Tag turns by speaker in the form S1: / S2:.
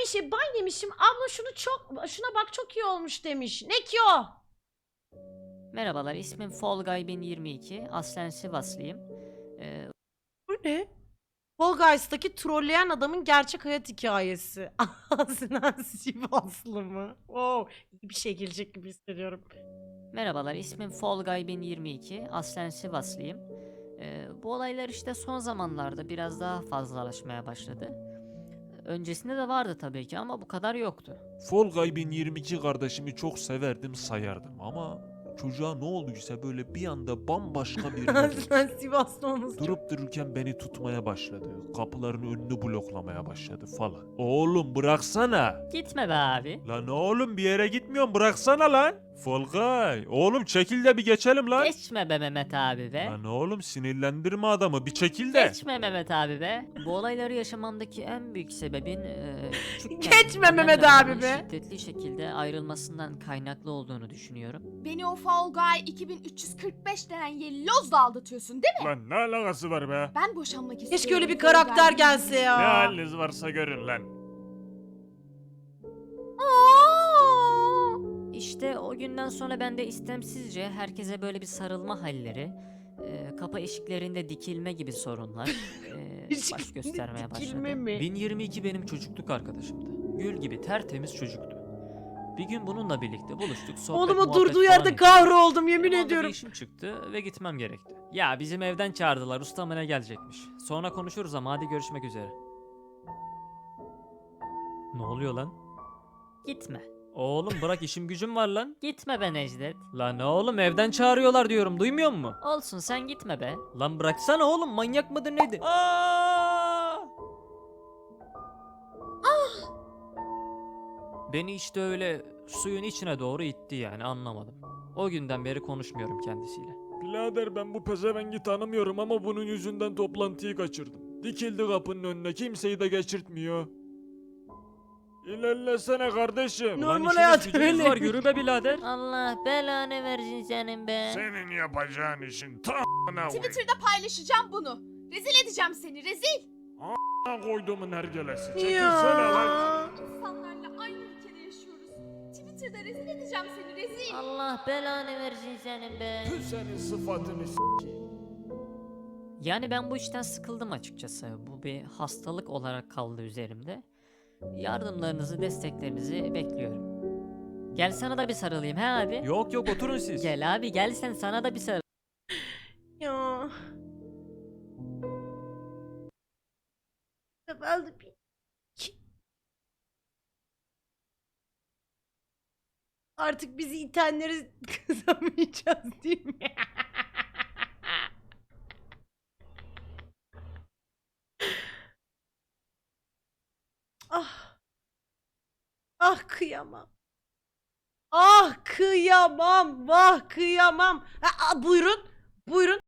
S1: şey ban yemişim. Abla şuna bak çok iyi olmuş demiş. Ne ki o?
S2: Merhabalar, ismim Fall Guy 1022. Aslen Sivaslıyım.
S1: Bu ne? Fall Guys'taki trolleyen adamın gerçek hayat hikayesi. Aslen Sivaslı mı? Wow, iyi bir şey gelecek gibi hissediyorum.
S2: Merhabalar, ismim Fall Guy 1022. Aslen Sivaslıyım. Bu olaylar işte son zamanlarda biraz daha fazlalaşmaya başladı. Öncesinde de vardı tabii ki ama bu kadar yoktu.
S3: Fall Guy 1022 kardeşimi çok severdim sayardım ama çocuğa ne olduysa böyle bir anda bambaşka birine dönüştü.
S1: Aslen Sivaslı olması çok...
S3: Durup dururken beni tutmaya başladı. Kapıların önünü bloklamaya başladı falan. Oğlum bıraksana.
S2: Gitme be abi.
S3: Lan oğlum bir yere gitmiyorum bıraksana lan. Fall Guy. Oğlum çekil de bir geçelim lan.
S2: Geçme be Mehmet abi be.
S3: Lan oğlum sinirlendirme adamı bir çekil de.
S2: Geçme Mehmet abi be. Bu olayları yaşamamdaki en büyük sebebin küçükken
S1: Geçme
S2: annemle
S1: Mehmet
S2: babamın
S1: abi be.
S2: şiddetli şekilde ayrılmasından kaynaklı olduğunu düşünüyorum.
S4: Beni o Fall Guy 2345 denen yellozla aldatıyorsun değil mi?
S3: Lan ne alakası var be?
S4: Ben boşanmak istiyorum.
S1: Keşke öyle bir
S4: Fall
S1: karakter
S4: Guy.
S1: gelse ya.
S3: Ne haliniz varsa görün lan.
S2: İşte o günden sonra ben de istemsizce herkese böyle bir sarılma halleri, kapı eşiklerinde dikilme gibi sorunlar baş göstermeye
S1: Dikilme
S2: başladı.
S1: mi?
S2: 1022 benim çocukluk arkadaşımdı. Gül gibi tertemiz çocuktu. Bir gün bununla birlikte buluştuk, sohbet
S1: Oğlum o
S2: muhabbet
S1: durduğu
S2: falan
S1: yerde
S2: ettik.
S1: kahroldum yemin
S2: Benim anda
S1: ediyorum.
S2: bir işim çıktı ve gitmem gerekti. Ya bizim evden çağırdılar, ustamına gelecekmiş. Sonra konuşuruz ama hadi görüşmek üzere. Ne oluyor lan? Gitme. Oğlum bırak işim gücüm var lan. Gitme be Necdet. Lan oğlum evden çağırıyorlar diyorum duymuyor musun? Olsun sen gitme be. Lan bıraksana oğlum manyak mıdır neydi? Beni işte öyle suyun içine doğru itti yani anlamadım. O günden beri konuşmuyorum kendisiyle.
S3: Birader ben bu pezevengi tanımıyorum ama bunun yüzünden toplantıyı kaçırdım. Dikildi kapının önüne kimseyi de geçirtmiyor. İlerlesene kardeşim.
S1: Normal
S3: Lan işiniz
S1: hayat
S3: gücünüz
S1: öyle.
S3: var yürü be birader.
S2: Allah belanı versin senin be.
S3: Senin yapacağın işin tamına
S4: Twitter'da paylaşacağım bunu. Rezil edeceğim seni rezil.
S3: koyduğumun hergelesi. Çekilsene lan.
S1: Ya.
S4: İnsanlarla aynı ülkede yaşıyoruz. Twitter'da rezil edeceğim seni rezil.
S2: Allah belanı versin senin be.
S3: Tüh senin sıfatını
S2: Yani ben bu işten sıkıldım açıkçası. Bu bir hastalık olarak kaldı üzerimde. Yardımlarınızı, desteklerinizi bekliyorum. Gel sana da bir sarılayım he abi.
S3: Yok yok oturun siz.
S2: Gel abi gel sen sana da bir sarıl.
S1: Ya. Ben de bir... Artık bizi itenleri kızamayacağız değil mi? Ah. Ah kıyamam. Ah kıyamam. Vah kıyamam. Ha, buyurun. Buyurun.